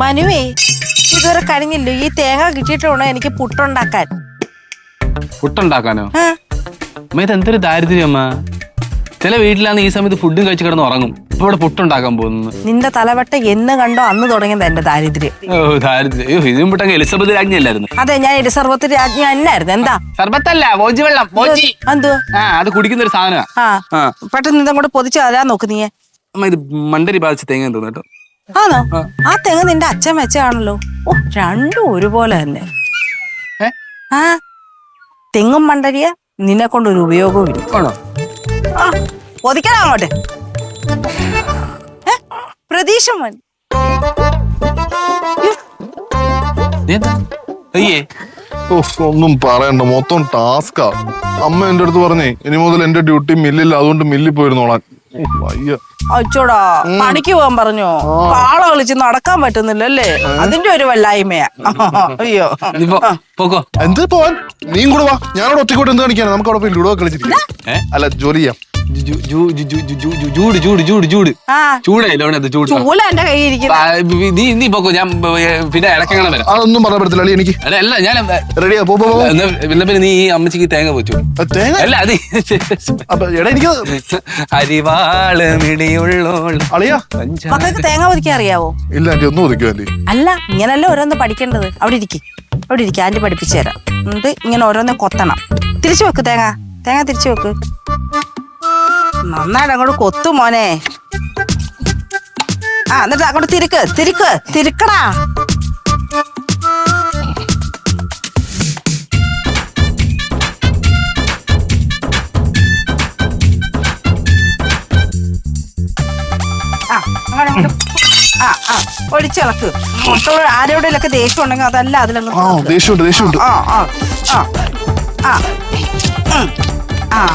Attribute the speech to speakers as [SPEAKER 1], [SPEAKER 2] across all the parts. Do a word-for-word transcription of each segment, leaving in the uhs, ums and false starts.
[SPEAKER 1] മനുവേ ഇതുവരെ കഴിഞ്ഞില്ലോ ഈ തേങ്ങ കിട്ടിയിട്ട് വേണോ എനിക്ക് പുട്ടുണ്ടാക്കാൻ.
[SPEAKER 2] പുട്ടുണ്ടാക്കാനോ? അമ്മ ഇത് എന്തൊരു ദാരിദ്ര്യം അമ്മ. ചില വീട്ടിലാണ് ഈ സമയത്ത് ഫുഡും കഴിച്ച് കിടന്ന് ഉറങ്ങും. ഇപ്പൊ ഇവിടെ പുട്ടുണ്ടാക്കാൻ പോകുന്നു.
[SPEAKER 1] നിന്റെ തലവട്ട എന്ന് കണ്ടോ അന്ന് തുടങ്ങിയത് എന്റെ ദാരിദ്ര്യം.
[SPEAKER 2] ഓ ദാരിദ്ര്യം. ഇതിനും പുട്ടങ്ങ് എലിസബത്ത് രാജ്ഞി അല്ലായിരുന്നു?
[SPEAKER 1] അതെ, ഞാൻ എലിസബത്ത് രാജ്ഞി എന്നായിരുന്നു. എന്താ
[SPEAKER 2] സർബത്തല്ല, മോജി വെള്ളം.
[SPEAKER 1] എന്തുവാ?
[SPEAKER 2] ആ അത് കുടിക്കുന്ന ഒരു സാധനമാണ്.
[SPEAKER 1] ആ പെട്ടെന്ന് ഇതങ്ങോട്ട് പൊതിച്ച് തരാൻ നോക്ക് നീയെ.
[SPEAKER 2] അമ്മ ഇത് മണ്ടരി ബാധിച്ച തേങ്ങ തോന്നു കേട്ടോ.
[SPEAKER 1] ആണോ? ആ തെങ്ങ് നിന്റെ അച്ഛൻ വെച്ചാണല്ലോ. ഓ രണ്ടും ഒരുപോലെ തന്നെ. ആ തെങ്ങും മണ്ടരിയ നിന്നെ കൊണ്ടൊരു ഉപയോഗവും ഇല്ല. ആ പൊതിക്കണം അങ്ങോട്ട്. പ്രതീക്ഷ മതി.
[SPEAKER 3] ഒന്നും പറയണ്ട, മൊത്തം ടാസ്കാ. അമ്മ എന്റെ അടുത്ത് പറഞ്ഞേ ഇനി മുതൽ എന്റെ ഡ്യൂട്ടി മില്ലില്ല, അതുകൊണ്ട് മില്ലിൽ പോയിരുന്നോളാൻ.
[SPEAKER 1] അച്ചോടാ പണിക്ക് പോകാൻ പറഞ്ഞോ? കാള കളിച്ച് നടക്കാൻ പറ്റുന്നില്ലല്ലേ? അതിന്റെ ഒരു വല്ലായ്മയാ. അയ്യോ
[SPEAKER 3] എന്ത് പോവാൻ? നീയും കൂടെ വാ. ഞാനവിടെ ഒറ്റക്കോട്ട് എന്ത് കാണിക്കാനാ? നമുക്ക് അവിടെ പോയി ലുഡോ കളിച്ചിരിക്കാം. അല്ല ജോലി ചെയ്യാം.
[SPEAKER 2] ചൂട് ചൂട് ചൂട് ചൂട് ചൂടല്ലോ ചൂട്.
[SPEAKER 1] ചൂല എന്റെ കയ്യിൽ ഇരിക്കുന്നു.
[SPEAKER 2] നീ നീ പോക്കോ, ഞാൻ പിന്നെ ഇടയ്ക്കങ്ങനെ വരാം.
[SPEAKER 3] അതൊന്നും പറയാൻ പറ്റത്തില്ല എനിക്ക്.
[SPEAKER 2] അല്ല ഞാൻ
[SPEAKER 3] റെഡിയാ.
[SPEAKER 2] പിന്നെ പിന്നെ നീ ഈ അമ്മച്ചിക്ക് തേങ്ങ വെച്ചു. അല്ല അത് അരിവാള് മിടിയുള്ളോൾ.
[SPEAKER 1] മക്കൾക്ക് തേങ്ങ ഒതുക്കാൻ അറിയാവോ?
[SPEAKER 3] ഇല്ല ആന്റി, ഒന്നും ഒതുക്കുമല്ലേ.
[SPEAKER 1] അല്ല ഇങ്ങനല്ലേ ഓരോന്ന് പഠിക്കേണ്ടത്. അവിടെ ഇരിക്കും, അവിടെ ഇരിക്കും. ആന്റി പഠിപ്പിച്ചു തരാം. എന്നിട്ട് ഇങ്ങനെ ഓരോന്ന് കൊത്തണം. തിരിച്ചു വെക്ക് തേങ്ങ. തേങ്ങ തിരിച്ചു വെക്ക്. നന്നായിട്ട് അങ്ങോട്ട് കൊത്തു മോനെ. ആ എന്നിട്ട് അങ്ങോട്ട് തിരിക്ക് തിരിക്ക് തിരിക്കടാ. ആ അങ്ങനെ ആ ആ ഒഴിച്ചിളക്ക്. മൊത്തം ആരോടെയൊക്കെ ദേഷ്യം ഉണ്ടെങ്കിൽ അതല്ല അതിലങ്ങ്.
[SPEAKER 3] ദേഷ്യമുണ്ട് ദേഷ്യമുണ്ട്.
[SPEAKER 1] ആ ആ ആ ആ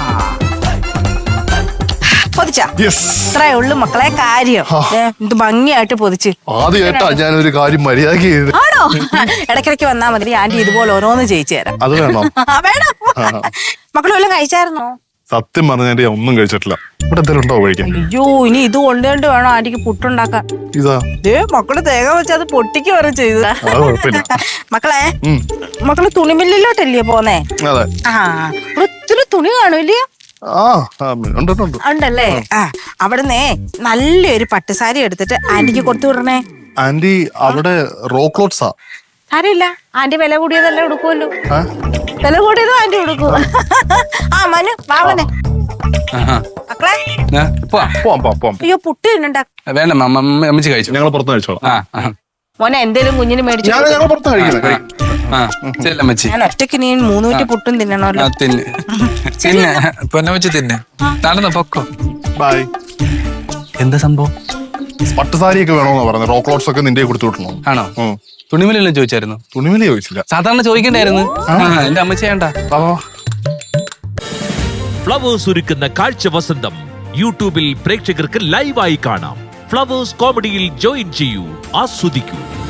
[SPEAKER 1] പൊതിച്ച ഇത്രേ ഉള്ളു മക്കളെ കാര്യം. ഇത് ഭംഗിയായിട്ട് പൊതിച്ച്.
[SPEAKER 3] ആദ്യമായിട്ടാ ഞാനൊരു കാര്യം മര്യാദക്ക് ചെയ്ത്.
[SPEAKER 1] ആണോ? ഇടയ്ക്കിടയ്ക്ക് വന്നാ മതി. ആന്റി ഇതുപോലെ ഓരോന്ന് ചെയ്യിച്ചു തരാം.
[SPEAKER 3] അത് വേണോ?
[SPEAKER 1] വേണം. മക്കൾ വല്ലതും കഴിച്ചായിരുന്നോ?
[SPEAKER 3] സത്യം പറഞ്ഞ ഒന്നും കഴിച്ചിട്ടില്ല. ഇവിടെ എന്തെങ്കിലും ഉണ്ടോ കഴിക്കാൻ?
[SPEAKER 1] അയ്യോ ഇനി ഇത് കൊണ്ടുകൊണ്ട് വേണോ ആന്റിക്ക് പുട്ടുണ്ടാക്കാൻ.
[SPEAKER 3] ഇതാ
[SPEAKER 1] ഏ മക്കള് തേങ്ങ വെച്ച് അത് പൊട്ടിക്ക് വരെ ചെയ്ത. മക്കളെ മക്കള് തുണിമില്ലിലോട്ടല്ലേ പോന്നേ? ആ ഒത്തിരി തുണി കാണൂല്ലയോ? ഉണ്ടല്ലേ? ആ അവിടുന്ന് നല്ലൊരു പട്ടുസാരി എടുത്തിട്ട് ആന്റിക്ക് കൊടുത്തു വിടണേ.
[SPEAKER 3] ആന്റി അവിടെ റോ ക്ലോത്ത്സാ.
[SPEAKER 1] സാരില്ല, ആന്റി വില കൂടിയതല്ലേ ഉടുക്കുമല്ലോ. വില കൂടിയതും ആന്റി ഉടുക്കും. ആ മനു വാവനെ മക്കളെ അയ്യോ പുട്ട് തിന്നണ്ട.
[SPEAKER 2] വേണ്ട അമ്മച്ചി കഴിച്ചു.
[SPEAKER 3] ഞങ്ങൾ പുറത്ത് കഴിച്ചോളാം.
[SPEAKER 1] മോനെ എന്തേലും കുഞ്ഞിന് മേടിച്ചു. ഞാൻ ഒറ്റയ്ക്ക് നീ മൂന്നൂറ്റി പുട്ടും തിന്നണല്ലോ.
[SPEAKER 2] തിന്നെ തിന്നെ പൊന്നമ്മച്ചി തിന്നെ. നടന്നോ പൊക്കോ.
[SPEAKER 3] ബൈ.
[SPEAKER 2] എന്താ സംഭവം?
[SPEAKER 3] പട്ടുസാരിയൊക്കെ വേണോന്നാ പറഞ്ഞത്. റോ ക്ലോത്ത്സ് ഒക്കെ നിന്റെ കൊടുത്തു വിട്ടണോ?
[SPEAKER 2] ആണോ? തുണിമലെല്ലാം ചോദിച്ചായിരുന്നു?
[SPEAKER 3] തുണിമല ചോദിച്ചില്ല.
[SPEAKER 2] സാധാരണ ചോദിക്കണ്ടായിരുന്നു. എന്റെ അമ്മച്ചി വേണ്ട.
[SPEAKER 4] ഫ്ലവേഴ്സ് ഒരുക്കുന്ന കാഴ്ച വസന്തം യൂട്യൂബിൽ പ്രേക്ഷകർക്ക് ലൈവായി കാണാം. ഫ്ലവേഴ്സ് കോമഡിയിൽ ജോയിൻ ചെയ്യൂ, ആസ്വദിക്കൂ.